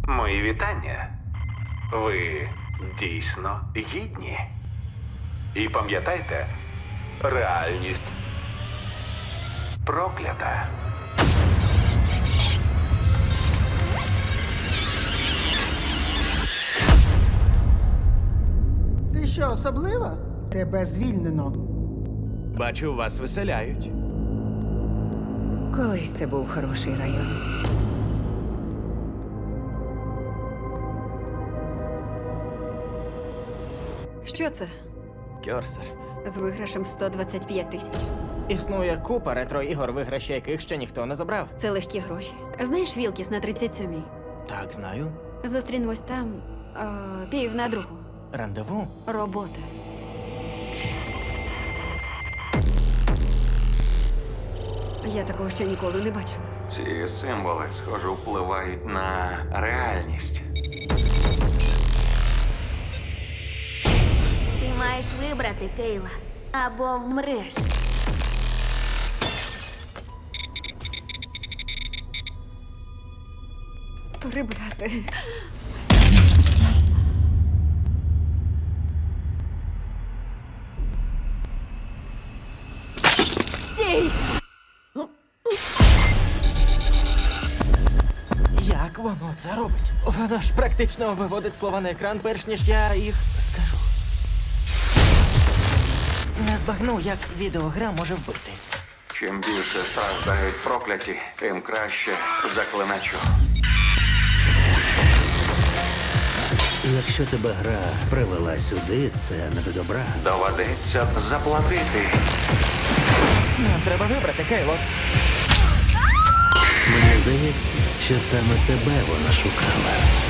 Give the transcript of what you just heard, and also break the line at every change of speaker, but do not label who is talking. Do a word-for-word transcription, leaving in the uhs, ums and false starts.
Мої вітання. Ви дійсно гідні. І пам'ятайте, реальність проклята.
Ти що, особлива? Тебе звільнено.
Бачу, вас виселяють.
Колись це був хороший район.
Що це?
Кьорсер.
З виграшем сто двадцять п'ять тисяч.
Існує купа ретро-ігор, виграші яких ще ніхто не забрав.
Це легкі гроші. Знаєш Вілкіс на тридцять сьомій?
Так, знаю.
Зустрінемось там о, пів на другу.
Рандеву?
Робота. Я такого ще ніколи не бачила.
Ці символи, схоже, впливають на реальність.
Ти маєш вибрати, Кейла, або вмреш.
Прибрати. Стій!
Як воно це робить? Воно ж практично виводить слова на екран, перш ніж я їх скажу. Не збагну, як відеогра може вбити.
Чим більше страждають прокляті, тим краще заклиначу.
Якщо тебе гра привела сюди, це не до добра.
Доведеться заплатити.
Нам треба вибрати, Кейло.
Мені здається, що саме тебе вона шукала.